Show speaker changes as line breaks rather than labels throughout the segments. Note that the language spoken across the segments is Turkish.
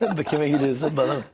Kime gidiyorsun bana mı?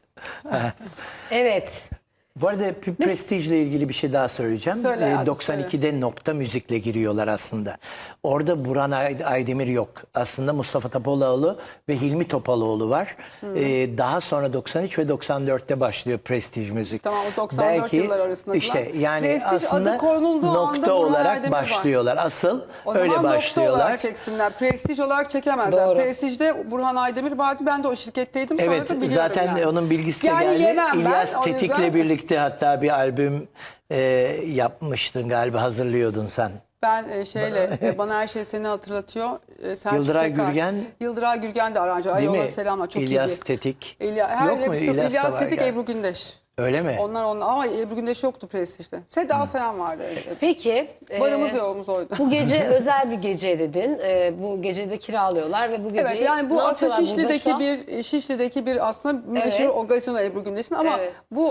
Evet.
Bu arada Prestige ile ilgili bir şey daha söyleyeceğim.
Söyle abi,
92'de Nokta Müzik'le giriyorlar aslında. Orada Burhan Aydemir yok. Aslında Mustafa Topaloğlu ve Hilmi Topaloğlu var. Daha sonra 93 ve 94'te başlıyor Prestige Müzik.
Tamam, o 94 yıllar arasındakiler.
İşte yani
Prestige
aslında
adı konulduğu anda
nokta
Burhan
olarak
Aydemir var.
başlıyorlar. Asıl
O
öyle
zaman nokta
başlıyorlar.
olarak çeksinler. Prestige olarak çekemezler.
Doğru.
Prestige'de Burhan Aydemir vardı. Ben de o şirketteydim. Sonra
Evet,
da biliyorum
zaten
yani.
onun bilgisi de
Yani
geldi.
yemem ben,
İlyas
o
Tetik'le
yüzden-
birlikte hatta bir albüm yapmıştın galiba, hazırlıyordun sen.
Ben bana her şey seni hatırlatıyor. Selçuk
Yıldıray
Tekar.
Gürgen.
Yıldıray Gürgen de aranjör. Ay
Değil mi?
ona selamlar, çok
İlyas
iyiydi.
Tetik.
Yok
mu? İlyas da
İlyas
var
Tetik,
galiba.
Ebru Gündeş.
Öyle mi?
Onlar ama Ebru Gündeş yoktu Prestige'de. Seda falan vardı.
Peki.
Varımız yoğumuz oydu.
Bu gece özel bir gece dedin. Bu gecede kiralıyorlar ve bu geceyi
Evet, yani bu
ne
aslında
yapıyorlar burada şu an?
Şişli'deki bir aslında meşhur
Evet.
o gazino Ebru Gündeş'in ama
Evet.
bu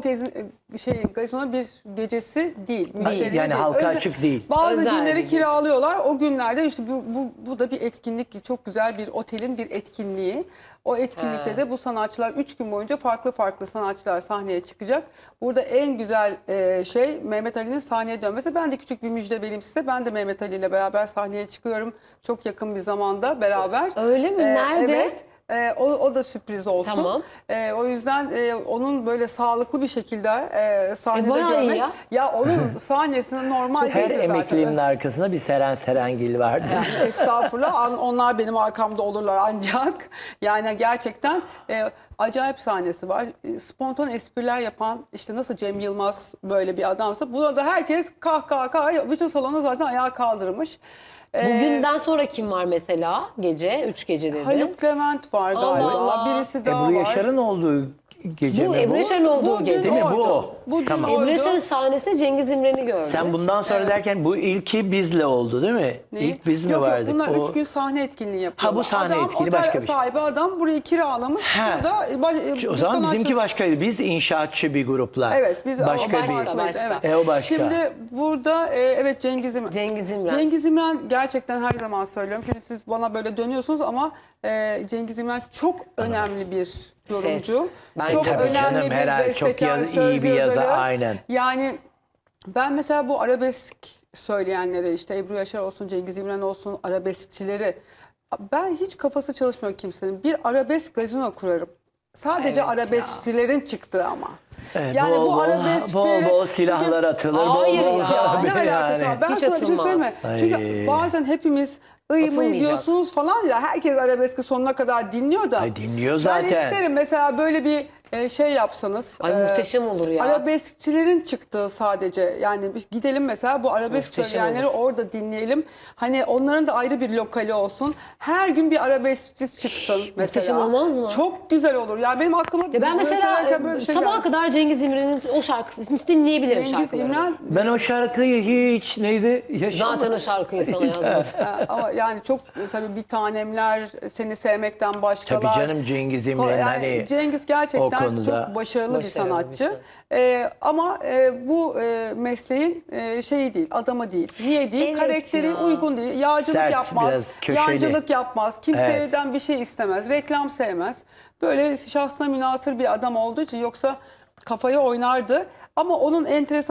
gazino bir gecesi değil. Müşterinin
Yani halka
Özel-
açık değil.
Bazı
Özel bir
günleri
gece.
kiralıyorlar. O günlerde işte bu da bir etkinlik. Çok güzel bir otelin bir etkinliği. O etkinlikte de bu sanatçılar 3 gün boyunca farklı sanatçılar sahneye çıkacak. Burada en güzel Mehmet Ali'nin sahneye dönmesi. Ben de küçük bir müjde vereyim size. Ben de Mehmet Ali ile beraber sahneye çıkıyorum. Çok yakın bir zamanda beraber.
Öyle mi? Nerede?
Evet. O da sürpriz olsun.
Tamam.
O yüzden onun böyle sağlıklı bir şekilde sahnede
bayağı iyi
görmek.
ya.
Onun sahnesinde normal
Her
değildi zaten.
emeklinin arkasında bir Seren Serengil vardır.
Estağfurullah. Onlar benim arkamda olurlar ancak. Yani gerçekten acayip sahnesi var. Spontan espriler yapan, işte nasıl Cem Yılmaz böyle bir adamsa, buna da herkes kahkaha, bütün salonu zaten ayağa kaldırmış.
Bugünden sonra kim var mesela gece? 3 gece dedin.
Haluk Levent var galiba.
Allah Allah.
Birisi daha
Ebru
var.
Yaşar'ın olduğu gece
Bu
mi
Ebru
bu?
Yaşar'ın olduğu
Bugün
gece.
Değil mi? Bu
oydu.
o.
Bugün
Tamam.
oydu.
Ebru Yaşar'ın sahnesinde Cengiz İmren'i gördüm.
Sen bundan sonra derken bu ilki bizle oldu değil mi?
Neyi?
İlk biz mi
Yok,
vardık?
Bunlar
O-
3 gün sahne etkinliği yapıyorlar.
Ha, bu sahne etkinliği
otel
başka bir şey.
sahibi adam burayı kiralamış.
Ha.
Burada
O zaman bizimki başkaydı. Biz inşaatçı bir grupla.
Evet, biz
başka
o başka,
bir.
başka.
Evet.
O başka.
Şimdi burada evet Cengiz İmren.
Cengiz İmren.
Cengiz İmren gerçekten her zaman söylüyorum. Şimdi siz bana böyle dönüyorsunuz ama Cengiz İmren çok önemli bir yorumcu.
Bence
Çok
de.
Tabii
önemli
canım,
bir
herhalde çok
bestekar,
iyi bir
söz
yazar,
yazarı.
aynen.
Yani ben mesela bu arabesk söyleyenlere, işte Ebru Yaşar olsun, Cengiz İmren olsun, arabeskçileri, ben hiç kafası çalışmıyor kimsenin. Bir arabesk gazino kurarım. Sadece
Evet
arabeskçilerin çıktığı ama.
Evet,
Yani
bol
bu
bol,
arabeskçilere...
bol silahlar atılır.
Hayır
bol bol
ya,
Ne alakası var? Ben
Hiç
sana bir şey
atılmaz.
söyleyeyim mi? Çünkü
Ay.
bazen hepimiz mı
Atılmayacak.
diyorsunuz falan ya, herkes arabeski sonuna kadar dinliyor da.
Ay, dinliyor zaten.
Ben isterim mesela böyle bir şey yapsanız.
Ay, muhteşem olur ya.
Arabeskçilerin çıktığı sadece, yani biz gidelim mesela bu arabesk
Muhteşem
söyleyenleri
olur.
orada dinleyelim. Hani onların da ayrı bir lokali olsun. Her gün bir arabeskçi çıksın mesela.
Muhteşem olmaz mı?
Çok güzel olur. Yani benim aklıma
Ya ben
böyle
mesela
söylerken böyle bir şey
sabaha
geldi.
kadar Cengiz İmren'in o şarkısını hiç dinleyebilirim
Cengiz
şarkılarını.
İmren
Ben o şarkıyı hiç neydi?
Zaten o şarkıyı sana yazmış.
ama yani çok tabii bir tanemler, seni sevmekten başkalar.
Tabii canım, Cengiz İmren
Yani
hani
Cengiz
o
gerçekten
konuda
çok başarılı bir
başarılı bir
sanatçı. Ama bu mesleğin şeyi değil, adamı değil. Niye değil?
Evet
Karakteri
ya.
uygun değil. Yağcılık
Sert,
yapmaz.
biraz köşeli.
Yancılık yapmaz. Kimseden bir şey istemez. Reklam sevmez. Böyle şahsına münhasır bir adam olduğu için, yoksa kafayı oynardı. Ama onun enteresan